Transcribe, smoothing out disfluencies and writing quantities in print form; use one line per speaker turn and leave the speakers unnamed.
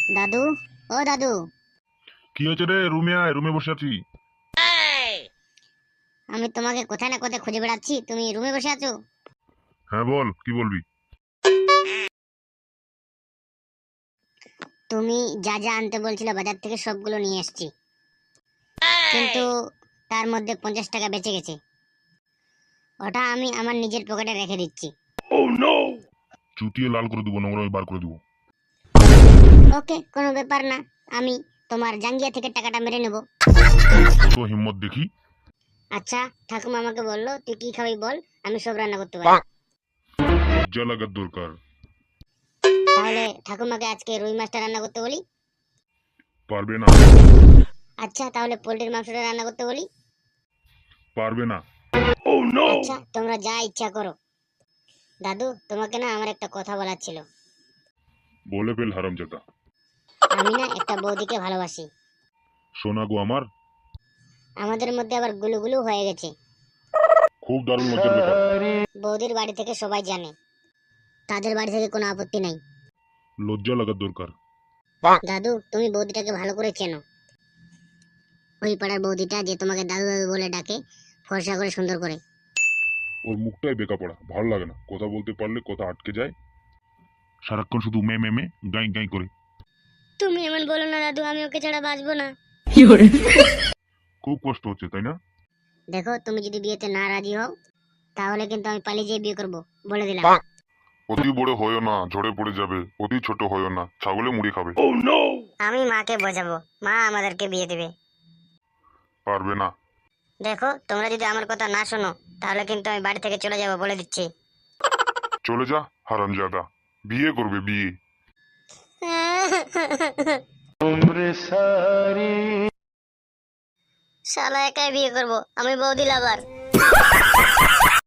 দাদু, ও দাদু।
কি হয়েছে রে? রুমে আয়, রুমে বসে আছি।
আমি তোমাকে কোথায় না কোথায় খুঁজে বেড়াচ্ছি, তুমি রুমে বসে আছো।
হ্যাঁ বল, কি বলবি?
তুমি যা যা আনতে বলছিলে বাজার থেকে সবগুলো নিয়ে এসেছি, কিন্তু তার মধ্যে 50 টাকা বেঁচে গেছে। ওটা আমি আমার নিজের পকেটে রেখে দিচ্ছি।
চুটিয়ে লাল করে দেবো, নোংরা বার করে দেবো।
ওকে, কোনো ব্যাপার না। আমি তোমার জাঙ্গিয়া থেকে টাকাটা মেরে নেব।
কত হিম্মত দেখি।
আচ্ছা, ঠাকুমা আমাকে বললো তুই কি খাবি বল, আমি সব রান্না করতে পারি।
লজ্জা লাগার দরকার।
তাহলে ঠাকুমাকে আজকে রুই মাছটা রান্না করতে বলি।
পারবে না।
আচ্ছা, তাহলে পোল্ট্রির মাংসটা রান্না করতে বলি।
পারবে না।
আচ্ছা, তোমরা যা ইচ্ছা করো। দাদু, তোমাকে না আমার একটা কথা বলার ছিল।
বলে ফেল হারামজাদা।
আমি না একটা বৌদিকে ভালোবাসি।
সোনা গো আমার।
আমাদের মধ্যে আবার গুলুগুলু হয়ে গেছে।
খুব দারুণ লজ্জার ব্যাপার।
বৌদির বাড়ি থেকে সবাই জানে, তাদের বাড়ি থেকে কোনো আপত্তি নাই।
লজ্জা লাগার দরকার।
দাদু, তুমি বৌদিটাকে ভালো করে চেনো। ওই পাড়ার বৌদিটা যে তোমাকে দাদু দাদু বলে ডাকে, ফর্সা করে সুন্দর করে।
ওর মুখটাই বেকা পড়া, ভালো লাগে না। কথা বলতে পারলে কথা আটকে যায়। সারাক্ষণ শুধু মে মে মে গাই গাই করে।
তুমি এমন বলো না দাদু, আমি ওকে ছাড়া বাঁচবো না।
খুব কষ্ট হচ্ছে তাই না?
দেখো, তুমি যদি বিয়েতে না রাজি হও, তাহলে কিন্তু আমি পালিয়ে যেয়ে বিয়ে করবো, বলে দিলাম।
অতি বড় হয়েও না, ঝড়ে পড়ে যাবে। অতি ছোট হয়েও না, ছাগলে মুড়ি খাবে।
আমি মাকে বোঝাবো, মা আমাদেরকে বিয়ে দেবে।
পারবে না।
দেখো, তোমরা যদি আমার কথা না শোনো, তাহলে কিন্তু আমি বাড়ি থেকে চলে যাবো, বলে দিচ্ছি।
চলে যা হারামজাদা। বিয়ে করবে বিয়ে।
শালা একাই বিয়ে করবো, আমি বৌদি লাভার।